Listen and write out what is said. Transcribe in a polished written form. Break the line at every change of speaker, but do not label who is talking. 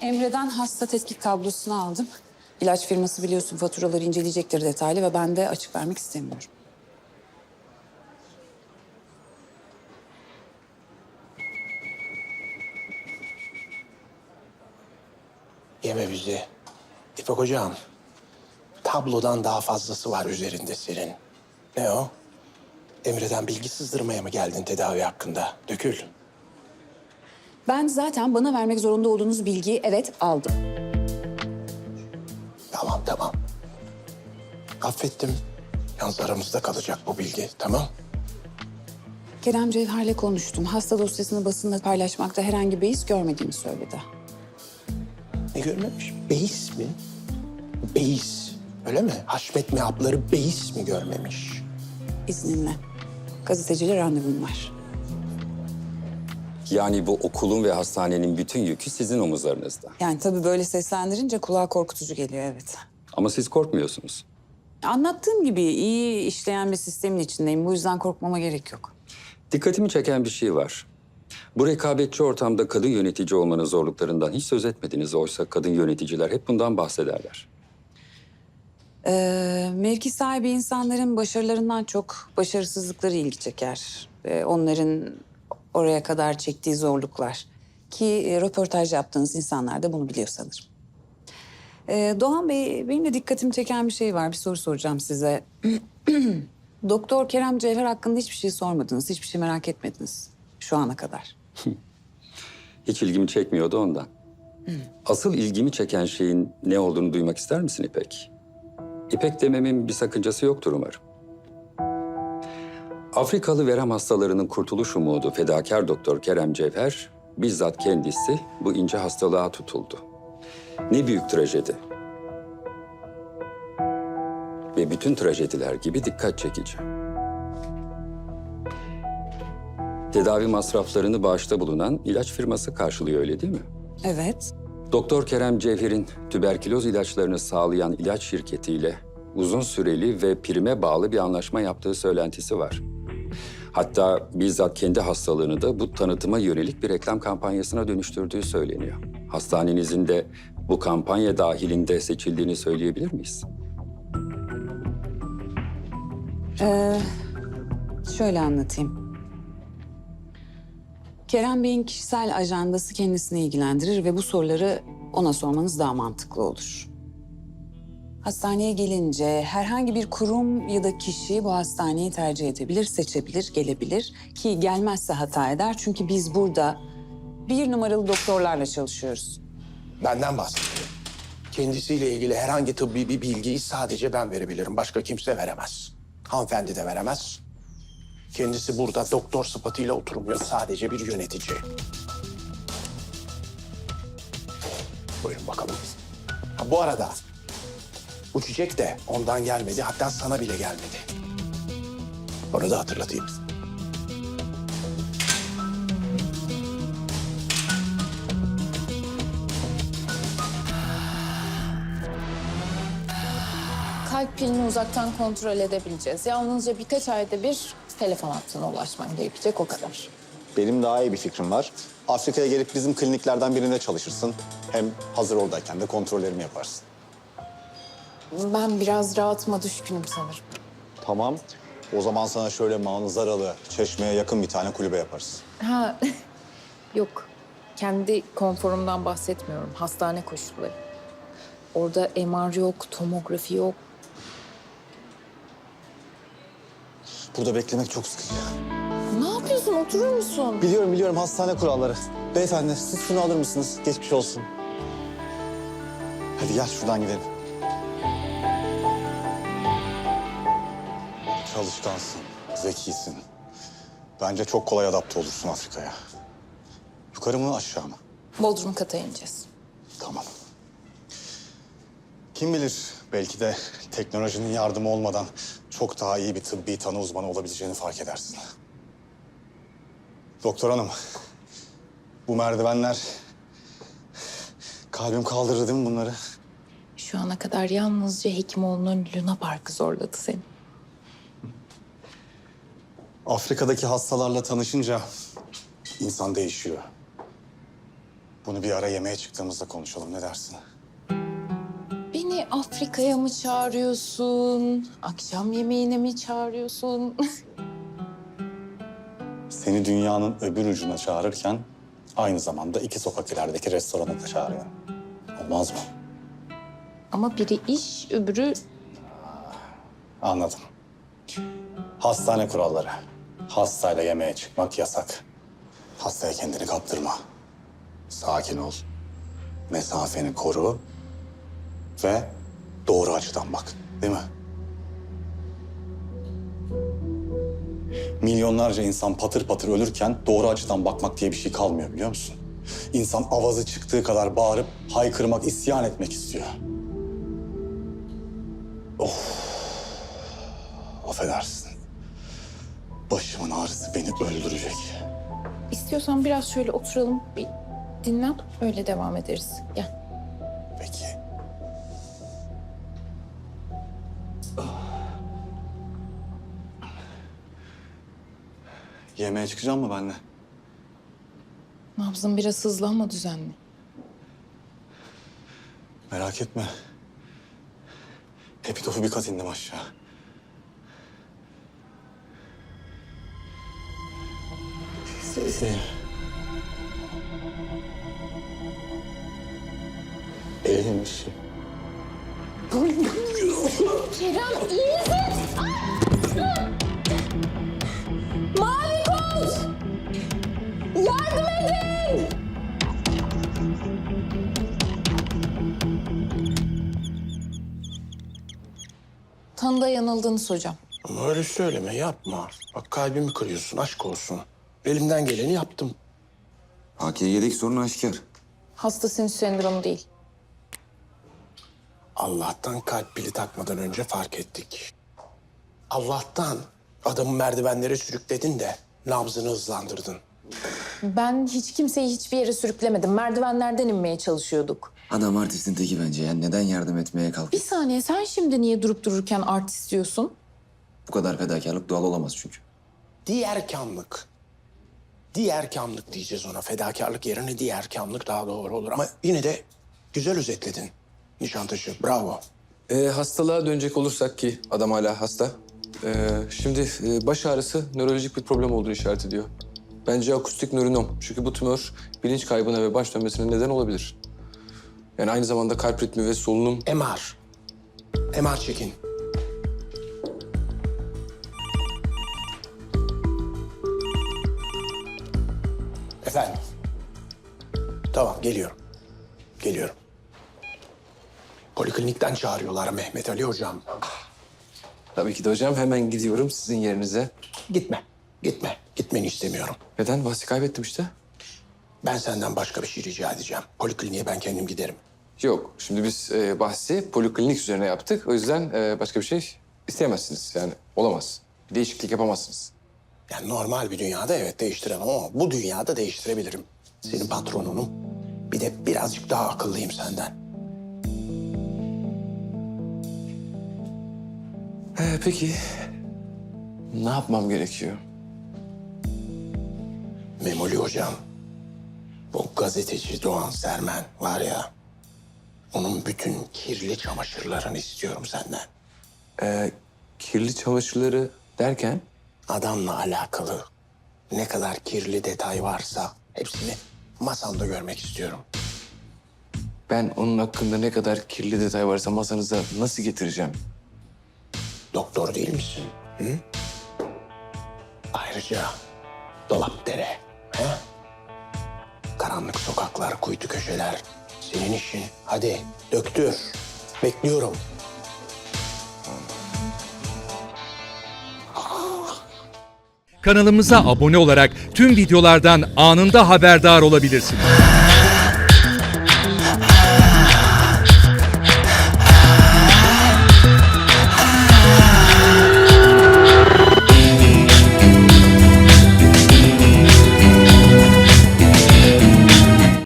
Emre'den hasta tetkik tablosunu aldım. İlaç firması biliyorsun faturaları inceleyecektir detaylı ve ben de açık vermek istemiyorum.
Yeme bizi. İpek hocam, tablodan daha fazlası var üzerinde senin. Ne o? Emre'den bilgi sızdırmaya mı geldin tedavi hakkında? Dökül.
Ben zaten bana vermek zorunda olduğunuz bilgiyi evet aldım.
Tamam. Affettim. Yalnız aramızda kalacak bu bilgi, tamam?
Kerem Cevher'le konuştum. Hasta dosyasını basında paylaşmakta herhangi bir iz görmediğini söyledi.
Ne görmemiş? Beis mi? Beis. Öyle mi? Haşmet mehapları beis mi görmemiş?
İzninle. Gazeteciyle randevum var.
Yani bu okulun ve hastanenin bütün yükü sizin omuzlarınızda.
Yani tabii böyle seslendirince kulağa korkutucu geliyor, evet.
Ama siz korkmuyorsunuz.
Anlattığım gibi iyi işleyen bir sistemin içindeyim. Bu yüzden korkmama gerek yok.
Dikkatimi çeken bir şey var. Bu rekabetçi ortamda kadın yönetici olmanın zorluklarından hiç söz etmediniz. Oysa kadın yöneticiler hep bundan bahsederler.
Mevki sahibi insanların başarılarından çok başarısızlıkları ilgi çeker. Onların oraya kadar çektiği zorluklar. Ki röportaj yaptığınız insanlar da bunu biliyor sanırım. Doğan Bey, benim de dikkatimi çeken bir şey var. Bir soru soracağım size. Doktor Kerem Cevher hakkında hiçbir şey sormadınız, hiçbir şey merak etmediniz şu ana kadar.
Hiç ilgimi çekmiyordu ondan. Asıl ilgimi çeken şeyin ne olduğunu duymak ister misin İpek? İpek dememin bir sakıncası yoktur umarım. Afrikalı verem hastalarının kurtuluş umudu fedakar doktor Kerem Cevher bizzat kendisi bu ince hastalığa tutuldu. Ne büyük trajedi. Ve bütün trajediler gibi dikkat çekici. Tedavi masraflarını bağışta bulunan ilaç firması karşılıyor, öyle değil mi?
Evet.
Doktor Kerem Cevher'in tüberküloz ilaçlarını sağlayan ilaç şirketiyle uzun süreli ve prime bağlı bir anlaşma yaptığı söylentisi var. Hatta bizzat kendi hastalığını da bu tanıtıma yönelik bir reklam kampanyasına dönüştürdüğü söyleniyor. Hastanenizin de bu kampanya dahilinde seçildiğini söyleyebilir miyiz?
Şöyle anlatayım. Kerem Bey'in kişisel ajandası kendisini ilgilendirir ve bu soruları ona sormanız daha mantıklı olur. Hastaneye gelince herhangi bir kurum ya da kişi bu hastaneyi tercih edebilir, seçebilir, gelebilir. Ki gelmezse hata eder çünkü biz burada 1 numaralı doktorlarla çalışıyoruz.
Benden bahsediyor. Kendisiyle ilgili herhangi tıbbi bir bilgiyi sadece ben verebilirim. Başka kimse veremez. Hanımefendi de veremez. Kendisi burada doktor sıfatıyla oturmuyor. Sadece bir yönetici. Buyurun bakalım. Ha, bu arada bu çiçek de ondan gelmedi. Hatta sana bile gelmedi. Onu da hatırlatayım.
Kalp pilini uzaktan kontrol edebileceğiz. Yalnızca birkaç ayda bir telefon hattına ulaşman gerekecek, o kadar.
Benim daha iyi bir fikrim var. Afrika'ya gelip bizim kliniklerden birinde çalışırsın. Hem hazır oradayken de kontrollerimi yaparsın.
Ben biraz rahatıma düşkünüm sanırım.
Tamam. O zaman sana şöyle manzaralı, Çeşme'ye yakın bir tane kulübe yaparız.
Ha, yok. Kendi konforumdan bahsetmiyorum. Hastane koşulları. Orada MR yok, tomografi yok.
Burada beklemek çok sıkıcı.
Ne yapıyorsun? Oturur musun?
Biliyorum hastane kuralları. Beyefendi siz şunu alır mısınız? Geçmiş olsun. Hadi gel şuradan gidelim. Çalışkansın, zekisin. Bence çok kolay adapte olursun Afrika'ya. Yukarı mı aşağı mı?
Bodrum kata ineceğiz.
Tamam. Kim bilir belki de teknolojinin yardımı olmadan çok daha iyi bir tıbbi tanı uzmanı olabileceğini fark edersin. Doktor hanım, bu merdivenler kalbim kaldırır değil mi bunları?
Şu ana kadar yalnızca Hekimoğlu'nun Luna Park'ı zorladı seni.
Afrika'daki hastalarla tanışınca insan değişiyor. Bunu bir ara yemeğe çıktığımızda konuşalım, ne dersin?
Beni Afrika'ya mı çağırıyorsun? Akşam yemeğine mi çağırıyorsun?
Seni dünyanın öbür ucuna çağırırken aynı zamanda 2 sokak ilerideki restorana da çağırıyorum. Olmaz mı?
Ama biri iş, öbürü...
Anladım. Hastane kuralları. Hastayla yemeğe çıkmak yasak. Hastaya kendini kaptırma. Sakin ol. Mesafeni koru. Ve doğru açıdan bak. Değil mi? Milyonlarca insan patır patır ölürken doğru açıdan bakmak diye bir şey kalmıyor, biliyor musun? İnsan avazı çıktığı kadar bağırıp haykırmak, isyan etmek istiyor. Affedersin. Başımın ağrısı beni öldürecek.
İstiyorsan biraz şöyle oturalım, bir dinlen, öyle devam ederiz. Gel.
Peki. Yemeğe çıkacak mı benimle?
Nabzın biraz hızlı ama düzenli.
Merak etme. Epitofu bir kat indim aşağı. İyiymiş.
Kerem iyi misin? Mavi koş! Yardım edin! Tanıda yanıldınız hocam.
Ama öyle söyleme, yapma. Bak kalbimi kırıyorsun, aşk olsun. Elimden geleni yaptım.
AKG'deki sorun aşikar.
Hasta sinüs sendromu değil.
Allah'tan kalp pili takmadan önce fark ettik. Allah'tan adamı merdivenlere sürükledin de nabzını hızlandırdın.
Ben hiç kimseyi hiçbir yere sürüklemedim. Merdivenlerden inmeye çalışıyorduk.
Adam artistin teki bence ya. Neden yardım etmeye
Bir
kalkıyor?
saniye, sen şimdi niye durup dururken artist diyorsun?
Bu kadar fedakarlık doğal olamaz çünkü.
Diğerkamlık. Diğerkamlık diyeceğiz ona. Fedakarlık yerine diğerkamlık daha doğru olur. Ama yine de güzel özetledin Nişantaşı. Bravo.
Hastalığa dönecek olursak ki adam hala hasta. Şimdi baş ağrısı nörolojik bir problem olduğunu işaret ediyor. Bence akustik nörinom. Çünkü bu tümör bilinç kaybına ve baş dönmesine neden olabilir. Yani aynı zamanda kalp ritmi ve solunum...
MR. MR çekin. Efendim. Tamam, geliyorum. Geliyorum. Poliklinikten çağırıyorlar Mehmet Ali hocam.
Tabii ki de hocam, hemen gidiyorum sizin yerinize.
Gitme, gitme. Gitmeni istemiyorum.
Neden? Bahsi kaybettim işte.
Ben senden başka bir şey rica edeceğim. Polikliniğe ben kendim giderim.
Yok, şimdi biz bahsi poliklinik üzerine yaptık. O yüzden başka bir şey isteyemezsiniz. Yani olamaz. Bir değişiklik yapamazsınız.
Yani normal bir dünyada evet değiştiremem ama bu dünyada değiştirebilirim. Senin patronunum. Bir de birazcık daha akıllıyım senden.
Peki, ne yapmam gerekiyor?
Memoli hocam, bu gazeteci Doğan Sermen var ya... onun bütün kirli çamaşırlarını istiyorum senden.
Kirli çamaşırları derken?
Adamla alakalı ne kadar kirli detay varsa hepsini masamda görmek istiyorum.
Ben onun hakkında ne kadar kirli detay varsa masanıza nasıl getireceğim?
Doktor değil misin? Hı? Ayrıca Dolapdere, he? Karanlık sokaklar, kuytu köşeler. Senin işin. Hadi döktür. Bekliyorum.
Kanalımıza abone olarak tüm videolardan anında haberdar olabilirsiniz.